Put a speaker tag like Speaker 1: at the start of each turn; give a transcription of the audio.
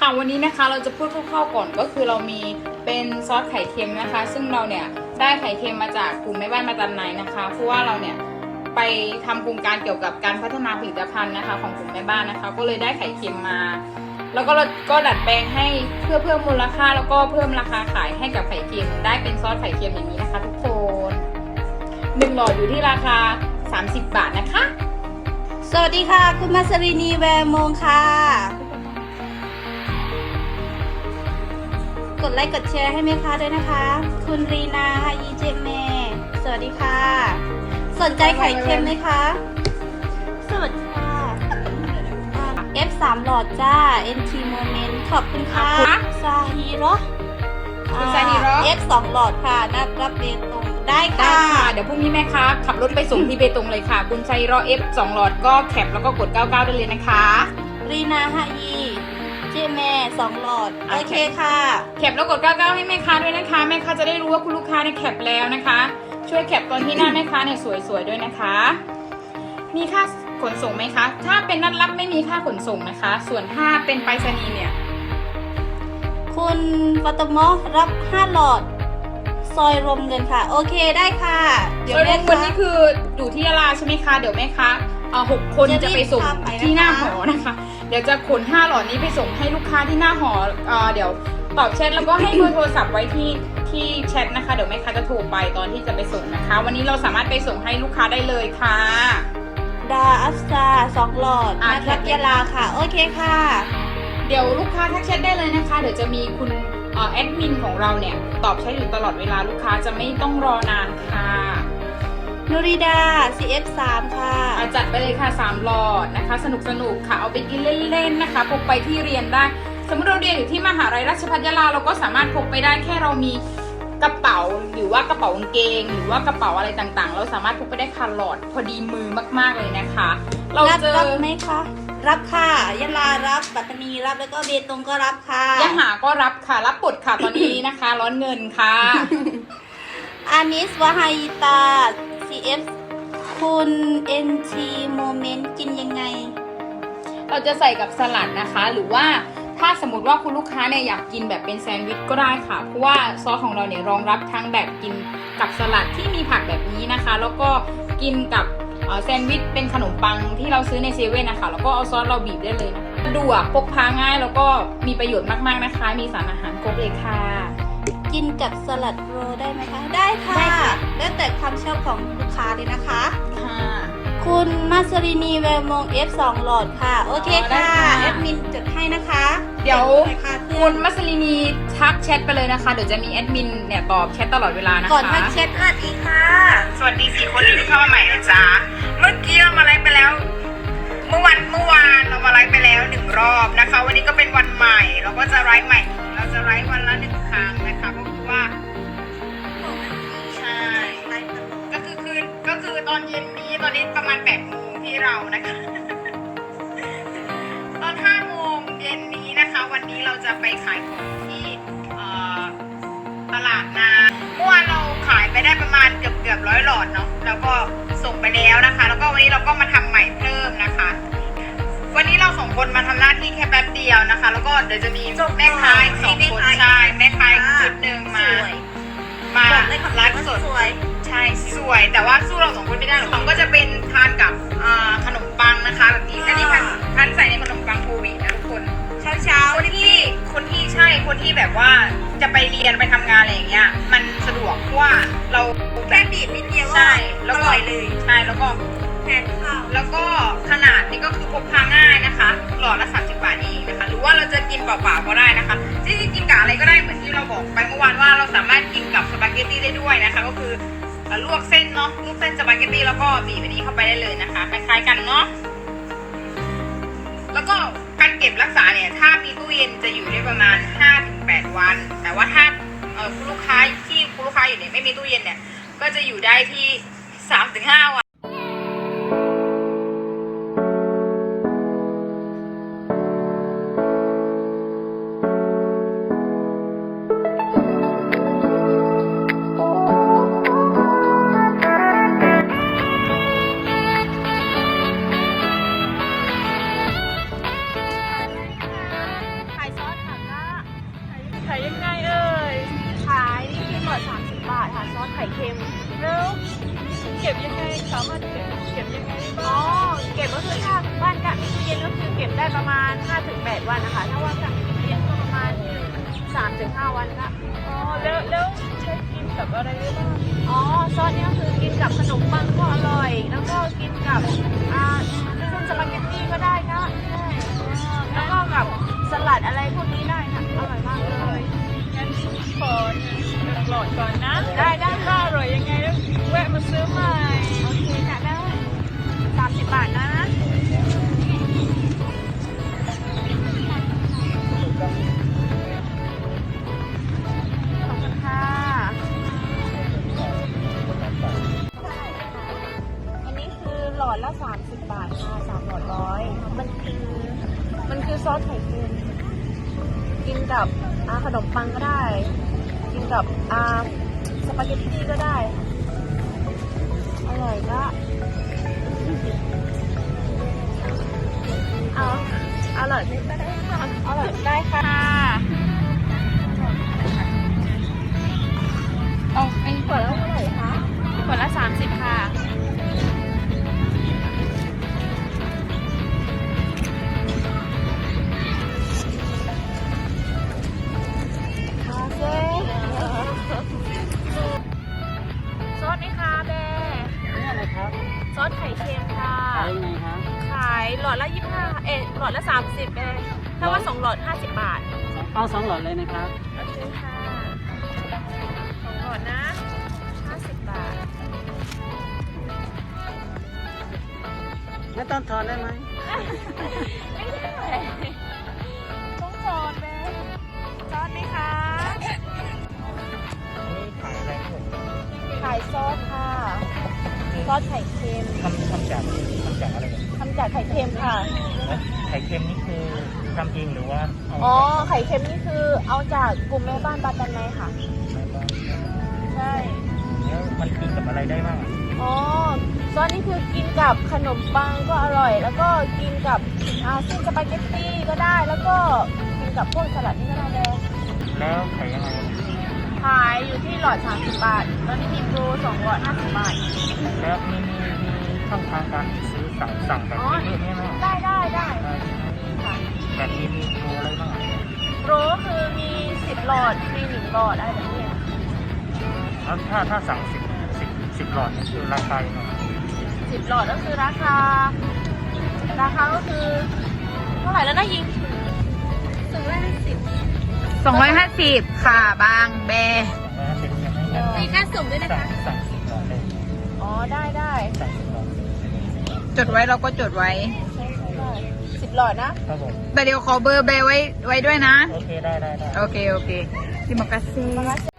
Speaker 1: ค่ะวันนี้นะคะเราจะพูดคร่าวๆก่อนก็คือเรามีเป็นซอสไข่เค็มนะคะซึ่งเราเนี่ยได้ไข่เค็มมาจากกลุ่มแม่บ้านมาจำหน่ายนะคะเพราะว่าเราเนี่ยไปทำโครงการเกี่ยวกับการพัฒนาผลิตภัณฑ์นะคะของกลุ่มแม่บ้านนะคะก็เลยได้ไข่เค็มมาแล้วก็ดัดแปลงให้เพื่อเพิ่มมูลค่าแล้วก็เพิ่มราคาขายให้กับไข่เค็มได้เป็นซอสไข่เค็มอย่างนี้นะคะทุกคน1 หลอดอยู่ที่ราคา30 บาทนะคะ
Speaker 2: สวัสดีค่ะคุณมัสรินีแวร์มงค่ะกดไลค์กดแชร์ให้แม่ค้าด้วยนะคะคุณรีนาฮายีเจเมสวัสดีค่ะสนใจไข่เค็มไหมคะสวัสดีค่ะ F3 หลอดจ้า NT Moment ขอบคุณค่ะซาฮิโร่F2 หลอดค่ะนับรับเบตงได้ค่ะ
Speaker 1: เดี๋ยวพรุ่งนี้แม่ค้าขับรถไปส่งที่เบตงเลยค่ะคุณชัยรอ F2 หลอดก็แคปแล้วก็กด99ได้เลยนะคะ
Speaker 2: รีนาฮายีเจเม2 หลอดโอเคค่ะ
Speaker 1: แคปแล้วกด99ให้แม่ค้าด้วยนะคะแม่ค้าจะได้รู้ว่าคุณลูกค้าเนี่ยแคปแล้วนะคะช่วยแคปตอนที่หน้าแม่ค้าเนี่ยสวยๆด้วยนะคะมีค่าขนส่งไหมคะถ้าเป็นนัดรับไม่มีค่าขนส่งนะคะส่วนถ้าเป็นไปรษณีย์เนี่ย
Speaker 2: คุณปตมรับ5 หลอดซอยรวมเงินค่ะโอเคได้ค่ะ
Speaker 1: เดี๋ยวแม่คนนี้คืออยู่ที่ยะลาใช่ไหมคะเดี๋ยวแม่ค้า6 คนจะไปส่งที่หน้าหอนะคะเดี๋ยวจะขน5 หลอดนี้ไปส่งให้ลูกค้าที่หน้าหอเดี๋ยวตอบแชทแล้วก็ให้เบอร์โทรศัพท์ไว้ที่แชทนะคะเดี๋ยวแม่ค้าจะโทรไปตอนที่จะไปส่งนะคะวันนี้เราสามารถไปส่งให้ลูกค้าได้เลยค่ะ
Speaker 2: ดาอัสซา2 หลอดนะครับยะลาค่ะโอเคค่ะ
Speaker 1: เดี๋ยวลูกค้าทักแชทได้เลยนะคะเดี๋ยวจะมีคุณแอดมินของเราเนี่ยตอบแชทอยู่ตลอดเวลาลูกค้าจะไม่ต้องรอนานค่ะ
Speaker 2: นูริดา CF3 ค่ะ
Speaker 1: จัดไปเลยค่ะ3 หลอดนะคะสนุกค่ะเอาไปกินเล่นๆนะคะพกไปที่เรียนได้สมมติเราเรียนอยู่ที่มหาลัยราชภัฏยะลาเราก็สามารถพกไปได้แค่เรามีกระเป๋าหรือว่ากระเป๋ากางเกงหรือว่ากระเป๋าอะไรต่างๆเราสามารถพกไปได้ค่ะหลอดพอดีมือมากๆเลยนะคะ
Speaker 2: เรารับไหมคะรับค่ะยะลารับปัตตานีรับแล้วก็เบตงก็รับค่ะ
Speaker 1: ยะหาก็รับค่ะรับปดค่ะตอนนี้นะคะร้อนเงินค่ะ
Speaker 2: อานิสวาฮายิตา CF คุณ NT Moment กินยังไง
Speaker 1: เราจะใส่กับสลัดนะคะหรือว่าถ้าสมมติว่าคุณลูกค้าเนี่ยอยากกินแบบเป็นแซนด์วิชก็ได้ค่ะเพราะว่าซอสของเราเนี่ยรองรับทั้งแบบกินกับสลัดที่มีผักแบบนี้นะคะแล้วก็กินกับแซนด์วิชเป็นขนมปังที่เราซื้อในเซเว่นนะคะแล้วก็เอาซอสเราบีบได้เลยนะคะสะดวกพกพาง่ายแล้วก็มีประโยชน์มากๆนะคะมีสารอาหารครบเลยค่ะ
Speaker 2: กินกับสลัดโรได้ไหมคะได้ค่ะแล้วแต่ความชอบของลูกค้าเลยนะคะ
Speaker 1: ค่ะ
Speaker 2: คุณมัสรินีแวร์มง F2 หลอดค่ะโอเคค่ะแอดมินจดให้นะคะ
Speaker 1: เดี๋ยวคุณมัสลินีทักแชทไปเลยนะคะเดี๋ยวจะมีแอดมินเนี่ยตอบแชทตลอดเวลานะคะ
Speaker 2: ก่อนทักแชทสวัสดีค่ะ
Speaker 1: สวัสดี4 คนที่เข้ามาใหม่นะจ๊ะเมื่อกี้เรามาไลฟ์ไปแล้วเมื่อวานเรามาไลฟ์ไปแล้ว1 รอบนะคะวันนี้ก็เป็นวันใหม่เราก็จะไลฟ์ใหม่เราจะไลฟ์วันละ1 ครั้งนะคะก็คือว่าใช่ก็คือตอนเย็นนี้ตอนนี้ประมาณ8 โมงที่เรานะคะตอน5 โมงเย็นนี้นะคะวันนี้เราจะไปขายของที่ตลาดนาเมื่อวานเราขายไปได้ประมาณเกือบ100 หลอดเนาะแล้วก็ส่งไปแล้วนะคะแล้วก็วันนี้เราก็มาทำใหม่เพิ่มนะคะวันนี้เรา2 คนมาทำหน้าที่แค่แป๊บเดียวนะคะแล้วก็เดี๋ยวจะมีแม่ค้าอีก2 คนใช่แม่ค้าชุดหนึ่งมาไลฟ์สดใช่สวยแต่ว่าสู้เรา2 คนไม่ได้หรอกก็จะเป็นทานกับขนมปังนะคะแบบนี้อันนี้พันใส่ในขนมปังโควิดนะทุกคนเช้าคนที่แบบว่าจะไปเรียนไปทำงานอะไรอย่างเงี้ยมันสะดวกเพราะว่าเรา
Speaker 2: แค่บีบนิดเดียว
Speaker 1: ใช่แล้วก็
Speaker 2: เลย
Speaker 1: ใช่แล้วก็
Speaker 2: แทนข้าว
Speaker 1: แล้วก็ขนาดนี้ก็คือพกพาง่ายนะคะหลอดละ30 บาทเองนะคะหรือว่าเราจะกินเปล่าๆก็ได้นะคะจริงๆกินกับอะไรก็ได้เหมือนที่เราบอกไปเมื่อวานว่าเราสามารถกินกับสปาเกตตี้ได้ด้วยนะคะก็คือลวกเส้นเนาะลวกเส้นสปาเกตตี้แล้วก็บีบอันนี้เข้าไปได้เลยนะคะคล้ายๆกันเนาะแล้วก็การเก็บรักษาเนี่ยถ้ามีตู้เย็นจะอยู่ได้ประมาณ 5-8 วันแต่ว่าถ้าคุณลูกค้าอยู่เนี่ยไม่มีตู้เย็นเนี่ยก็จะอยู่ได้ที่ 3-5 วัน
Speaker 2: ขายซอส
Speaker 3: เก็บยังไงได้
Speaker 2: อ๋
Speaker 3: บ้า
Speaker 2: อง เก็บก็คือถ้าบ้านกะมีตู้เย็นก็คือเก็บได้ประมาณ 5-8 วันนะคะ ถ้าว่ากะมีตู้เย็นก็ประมาณ 3-5 วันค่ะ
Speaker 3: อ๋อแล้วใช้กินกับอะไรได้บ้าง
Speaker 2: อ๋อซอสเนี่ยคือกินกับขนมปังก็อร่อย แล้วก็กินกับเส้นสปาเกตตี้ก็ได้นะใช่แล้วก็กับสลัดอะไรพวกนี้ได้ค่ะอร่อยมากเลย
Speaker 3: งั้นขอหลอดก่อนนะ
Speaker 2: ได้
Speaker 3: ถ้าอร่อยยังไงแล้วแวะมาซื้อใหม่
Speaker 2: โอเคค่ะได้30 บาทนะขอบคุณค่ะอันนี้คือหลอดละ30 บาทค่ะ3หลอดร้อยมันคือซอสไข่เค็มกินกับขนมปังก็ได้ กินกับสปาเกตตี้ก็ได้ อร่อยก็อร่อยก็ได้ค่ะอร่อยได้ค่ะเอาไอ้ขวดละเท่าไหร่คะขวดละ30ค่ะโอเคซอสไหมคะแบร์
Speaker 4: นี่อะไรครับ
Speaker 2: ซอสไข่เค็มค่ะ
Speaker 4: ขายยังไงครับ
Speaker 2: ขายหลอดละ25หลอดละ30ถ้าว่า2หลอด50 บาท
Speaker 4: เอา2 หลอดเลยนะครับ
Speaker 2: โอเคค่ะ2หลอดนะ50 บาท
Speaker 4: ไม่ต้องทอนได้ไหม
Speaker 2: ไม่ได้ต้องซอสแม่ซอสไหมคะ
Speaker 4: นี่ขายอะไรครับผม
Speaker 2: ขายซอสค่ะ ซอสไข่เค็ม
Speaker 4: ทำจากอะไรเนี่ย
Speaker 2: ทำจากไข่เค็มค่ะ
Speaker 4: ไข่เค็มนี่คือทำเองหรือว่าเอา
Speaker 2: อ๋อ ไข่เค็มนี่คือเอาจากกลุ่มแม่บ้านบาตันไนค่ะ
Speaker 4: มาบ้าง
Speaker 2: ใช่
Speaker 4: แล้วมันกินกับอะไรได้บ้างอ่ะ
Speaker 2: อ๋อ ซอสนี่คือกินกับขนมปังก็อร่อย แล้วก็กินกับเส้นสปาเกตตี้ก็ได้ แล้วก็กินกับพวกสลัดนี่ก็ได้เลย
Speaker 4: แล้วขายยังไง
Speaker 2: ขายอยู่ที่หลอด30 บาท ตอนนี้มีโปร2หลอด50 บาท
Speaker 4: แล้วมีช่องทางการซื้อสั่งแบบนี้ไหม
Speaker 2: ได้ค่ะ
Speaker 4: แบบนี้มีโปรอะไรบ้างอ่ะ
Speaker 2: โปรก็คือมี10หลอดมี1หลอดอะไรแบบนี้
Speaker 4: แล้วถ้าสั่ง10 หลอดนี่คือราคายังไง
Speaker 2: 10หลอดก็คือราคาก็คือเท่าไหร่แล้วนะยิง
Speaker 1: 250ค่ะบางแบร์
Speaker 4: 250ยังไม่งั้น
Speaker 2: มีค่าส่งด้วยนะคะ
Speaker 4: สั่ง10 หลอดเลย
Speaker 2: อ๋อได้
Speaker 4: สั่ง10 หลอด
Speaker 1: จดไว้เราก็จดไว้
Speaker 2: ใช่10หลอดนะครับ
Speaker 4: ผม
Speaker 1: แต่เดี๋ยวขอเบอร์แบร์ไว้ด้วยนะ
Speaker 4: โอเคได้
Speaker 1: โอเค ที่มากาเซ่